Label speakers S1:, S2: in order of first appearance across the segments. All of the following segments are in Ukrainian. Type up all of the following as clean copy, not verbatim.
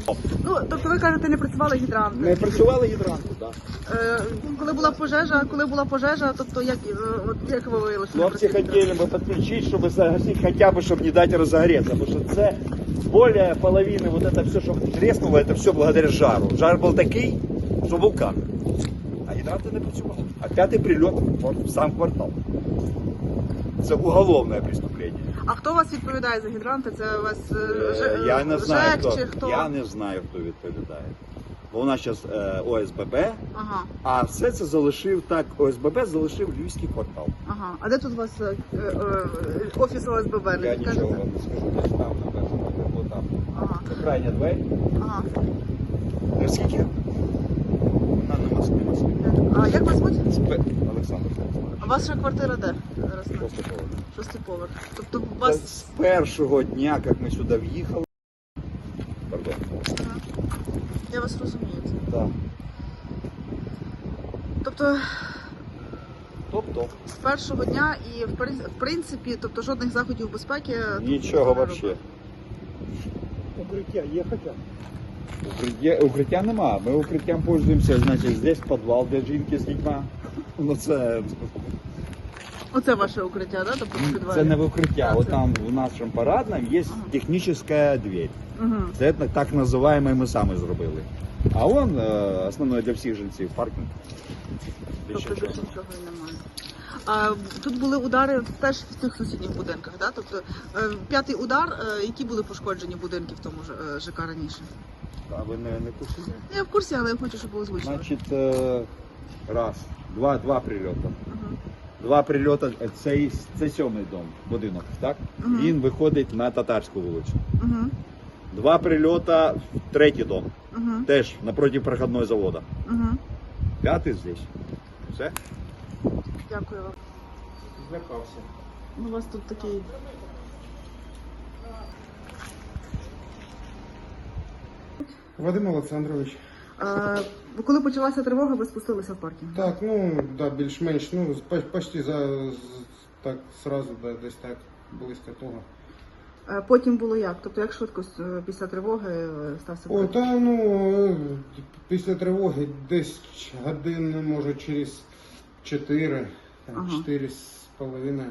S1: Ну, тобто ви кажете, не працювали гідранти?
S2: Не працювали гідранти, так.
S1: Коли була пожежа, тобто як ви виявили, що не
S2: Хлопці
S1: працює?
S2: хотіли би підключити, щоб загасити, хоча б, щоб не дати розгореться, тому що це более половины, вот это все, что треснуло, это все благодаря жару. Жар був такий, що вулкан. А гідранти не працювали. А п'ятий прильот в сам квартал. Це уголовне преступлення.
S1: А хто у вас відповідає за гідранти? Це у вас
S2: Я не знаю,
S1: ЖЕК
S2: хто.
S1: чи хто?
S2: Я не знаю, хто відповідає. Бо у нас зараз ОСББ,
S1: Ага,
S2: а все це залишив так, ОСББ залишив Львівський квартал.
S1: ага. А де тут у вас офіс ОСББ? Не
S2: Я
S1: підкажете?
S2: нічого вам не скажу, десь там, напевно, або там.
S1: Ага,
S2: Це крайня двері.
S1: ага.
S2: Наскільки? Вона на Москві.
S1: А як вас звуть?
S2: Олександр.
S1: А ваша квартира де? Зараз на
S2: Просто поверх.
S1: шостий поверх. Тобто у
S2: Це
S1: вас...
S2: з першого дня, як ми сюди в'їхали. Пардон.
S1: Ага. Я вас розумію.
S2: Так.
S1: Тобто
S2: Тобто
S1: з першого дня і в принципі, тобто жодних заходів безпеки тут
S2: нічого
S1: не
S2: взагалі.
S1: робили.
S3: Укриття є хоча?
S2: Укриття нема. Ми укриттям пользуємося, значить, здесь підвал для жінки з дітьми. Ну це
S1: Оце ваше укриття, да? Тобто в підвалі?
S2: це не в укриття.
S1: Так,
S2: От
S1: це-
S2: там в нашому парадному є технічна двері.
S1: Угу.
S2: Це так називаємо ми самі зробили. А он основний для всіх жильців паркінг. Більше
S1: Тобто
S2: нічого.
S1: більше нічого і немає. А тут були удари теж в цих сусідніх будинках, да? Тобто п'ятий удар, які були пошкоджені будинки в тому ж ЖК раніше?
S2: А ви не курсі?
S1: Я в курсі, але я хочу, щоб було звучно.
S2: Значить, два прильоти.
S1: Угу.
S2: Два прильоти, це сьомий будинок, так?
S1: Мгм.
S2: Він виходить на Татарську вулицю.
S1: Угу.
S2: Два прильоти в третій дом,
S1: Угу.
S2: теж напроти проходного заводу.
S1: Угу.
S2: П'ятий здесь. Все?
S1: Дякую вам.
S2: Злякався.
S1: У вас тут такий...
S3: Вадим Олександрович.
S1: Коли почалася тривога, ви спустилися в паркінг?
S3: Так, ну, да, більш-менш, ну, почти так, сразу, да, десь так, близько того.
S1: Потім було як? Тобто як швидко після тривоги стався
S3: О,
S1: прильот?
S3: та, ну, після тривоги десь годин, може, через 4,
S1: Ага.
S3: 4,5.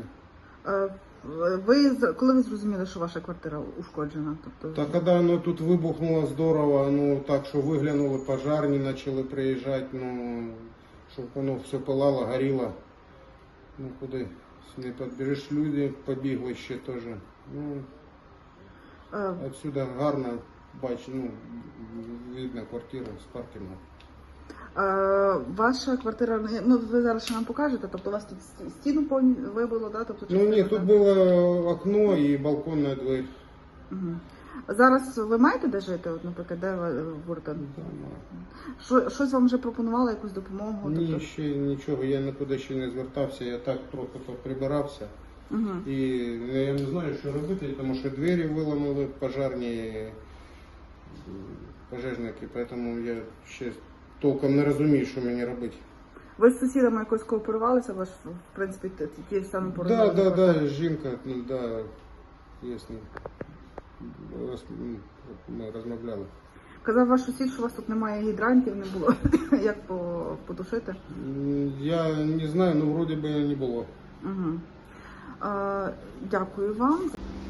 S1: Коли ви зрозуміли, що ваша квартира ушкоджена? Тобто...
S3: Та коли воно тут вибухнуло здорово, ну, так, що виглянули пожарні, почали приїжджати, ну, щоб воно все пилало, горіло. Ну, куди не підбереш, люди побігли ще теж. Ну, отсюда гарно бачу, ну, видно квартиру з паркінгу.
S1: Ваша квартира, ну ви зараз ще нам покажете, тобто у вас тут стіну вибило, да? Тобто,
S3: Ну, ні, тут було окно і балконна двері.
S1: Угу. Зараз ви маєте де жити, от, наприклад, де ви будете? Щось вам вже пропонувало, якусь допомогу?
S3: Ні,
S1: Тобто...
S3: ще нічого, я нікуди ще не звертався, я так трохи поприбирався.
S1: Угу.
S3: І я не знаю, що робити, тому що двері виламали пожежні пожежники, тому я ще толком не розумію, що мені робити.
S1: Ви з сусідами якось кооперувалися, ви ж, в принципі, ті самі порозуміння?
S3: Да, жінка, ну, да, ясно. Ми розмовляли.
S1: Казав ваш сусід, що у вас тут немає гідрантів, не було як потушити?
S3: Я не знаю, ну вроді би не було.
S1: Угу. Дякую вам.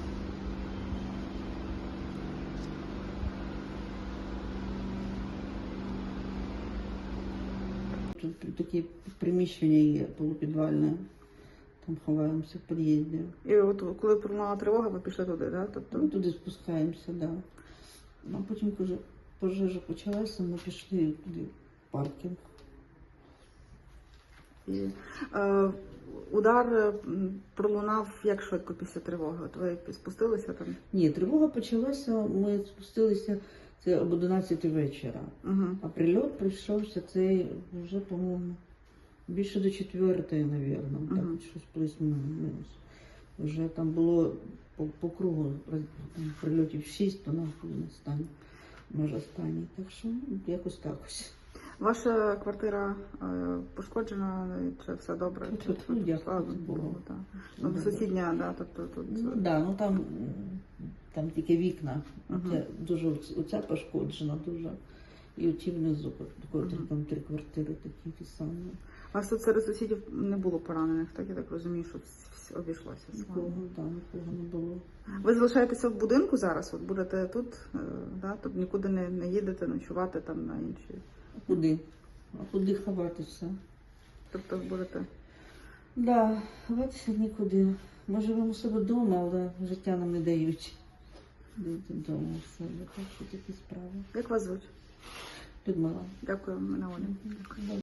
S4: Тут такі приміщення є полупідвальне, там ховаємося в під'їзді.
S1: І от коли пролунала тривога, ви пішли туди, да? Тобто...
S4: Ми туди спускаємося, да. А потім, коли пожежа почалася, ми пішли туди в паркінг.
S1: І, удар пролунав як швидко після тривоги? От ви спустилися там?
S4: Ні, тривога почалася, ми спустилися це об 11 вечора.
S1: Угу.
S4: А прильот прийшовся цей вже, по-моєму, більше до 4-ї, мабуть, так,
S1: Мгм.
S4: щось плюс-мінус. Вже там було по кругу прильотів 6, то нас були на стані, може останній. Так що якось так ось.
S1: Ваша квартира пошкоджена, чи все добре?
S4: Тут, дякую
S1: Слава
S4: Богу.
S1: Богу, так. Ну, сусідня, да, тобто тут...
S4: Ну, да, ну там там тільки вікна.
S1: Мгм.
S4: Оце дуже оця пошкоджена дуже. І оті внизу, котрі там 3 квартири такі ті самі.
S1: У вас тут серед сусідів не було поранених, так? Я так розумію, що обійшлося з
S4: Нікого,
S1: вами.
S4: нікого не було.
S1: Ви залишаєтеся в будинку зараз? От будете тут, да? Тут нікуди не їдете ночувати там на інші.
S4: А куди? А куди ховатися?
S1: Тобто будете.
S4: Да, ховатися нікуди. Ми живемо у себе вдома, але життя нам не дають. Бути вдома у себе. Так що такі справи.
S1: Як вас звуть?
S4: Людмила.
S1: Дякую, мене Оля.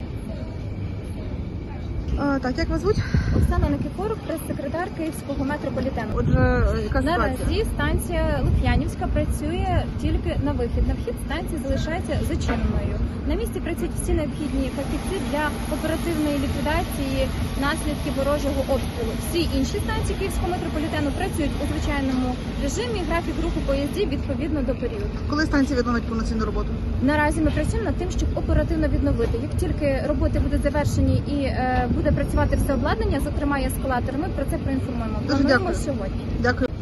S1: Так, як вас звуть?
S5: Оксана Никифорук, прес-секретар Київського метрополітену.
S1: Отже, яка ситуація?
S5: Наразі станція Лук'янівська працює тільки на вихід. На вхід станція залишається зачиненою. На місці працюють всі необхідні фахівці для оперативної ліквідації наслідків ворожого обстрілу. Всі інші станції Київського метрополітену працюють у звичайному режимі. Графік руху поїздів відповідно до періоду.
S1: Коли станція відновить повноцінну роботу?
S5: Наразі ми працюємо над тим, щоб оперативно відновити. Як тільки роботи будуть завершені і буде працювати все обладнання, зокрема і ескалатор, ми про це проінформуємо.
S1: Дуже
S5: Плануємо
S1: дякую.
S5: сьогодні.
S1: Дякую.